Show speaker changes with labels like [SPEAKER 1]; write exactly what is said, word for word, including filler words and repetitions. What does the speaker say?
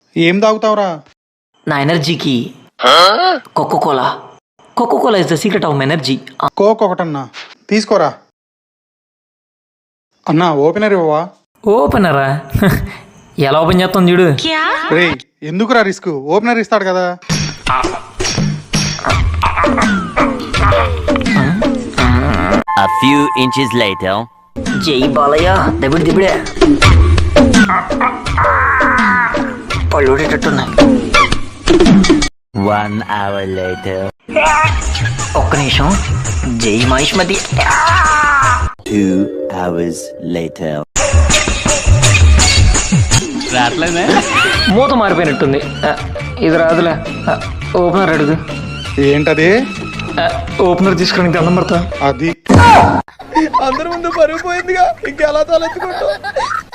[SPEAKER 1] ఏం తాగుతావురా?
[SPEAKER 2] నా ఎనర్జీకి coca cola coca cola is the secret of energy.
[SPEAKER 1] Coke ఒకటన్నా తీసుకోరా. అన్నా ఓపెనర్ ఇవ్వవా?
[SPEAKER 2] ఓపెనరా? ఎలా ఓపెన్ చేస్తాం చూడు.
[SPEAKER 1] రే ఎందుకురా రిస్క్, ఓపెనర్ ఇస్తాడు కదా.
[SPEAKER 3] A few inches later.
[SPEAKER 2] జై బాలయ్య దబిడి దిబిడే పళ్ళుడేటట్టున్నాయి.
[SPEAKER 3] One hour later.
[SPEAKER 2] ఒక్క నిమిషం. జై మహిష్మతి.
[SPEAKER 3] Two hours later.
[SPEAKER 2] మూత మారిపోయినట్టుంది. ఆ, ఇది రాదులే. ఆ, ఓపెనర్ అడుగు.
[SPEAKER 1] ఏంటది?
[SPEAKER 2] ఆ, ఓపెనర్ తీసుకుని దండం పడతా.
[SPEAKER 1] అది అందరి ముందు పరుగు పోయిందిగా, ఇంకెలా తలెత్తుకుంటా.